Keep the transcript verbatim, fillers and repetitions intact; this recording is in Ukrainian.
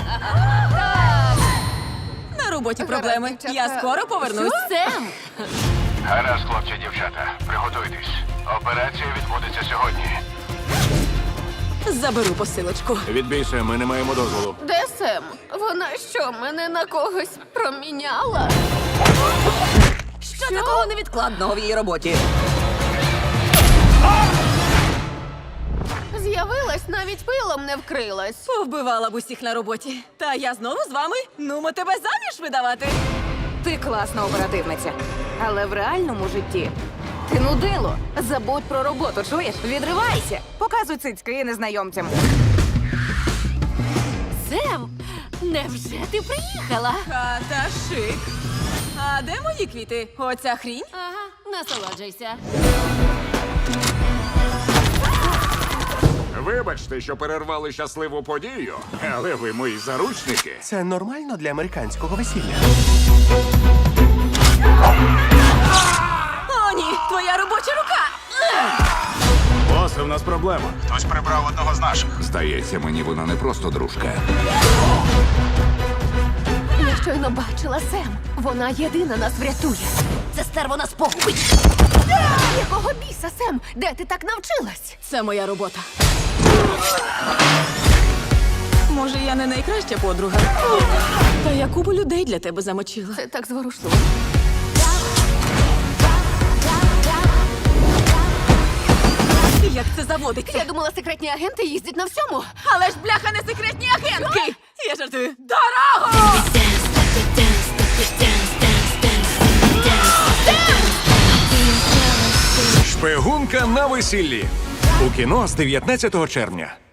На роботі проблеми. Я скоро повернусь. Сем! Гаразд, хлопці, дівчата, приготуйтесь. Операція відбудеться сьогодні. Заберу посилочку. Відбійся, ми не маємо дозволу. Де Сем? Вона що, мене на когось проміняла? Що такого невідкладного в її роботі? З'явилась, навіть пилом не вкрилась. Повбивала б усіх на роботі. Та я знову з вами. Нумо тебе заміж видавати. Ти класна оперативниця. Але в реальному житті ти нудило. Забудь про роботу, чуєш? Відривайся. Показуй цицьки незнайомцям. Сем, невже ти приїхала? Хата шик. А де мої квіти? Оця хрінь? Ага, насолоджуйся. Вибачте, що перервали щасливу подію, але ви мої заручники. Це нормально для американського весілля. О, ні, твоя робоча рука! Босе, в нас проблема. Хтось прибрав одного з наших. Здається, мені вона не просто дружка. Я щойно бачила Сем. Вона єдина нас врятує. Це стерво нас погубить. Якого біса, Сем? Де ти так навчилась? Це моя робота. Може, я не найкраща подруга. Та я купу людей для тебе замочила. Це так зворушливо. Як це заводиться? Я думала, секретні агенти їздять на всьому. Але ж бляха не секретні агентки! Я жартую. Дорогу! Шпигунка на весіллі. У кіно з дев'ятнадцятого червня.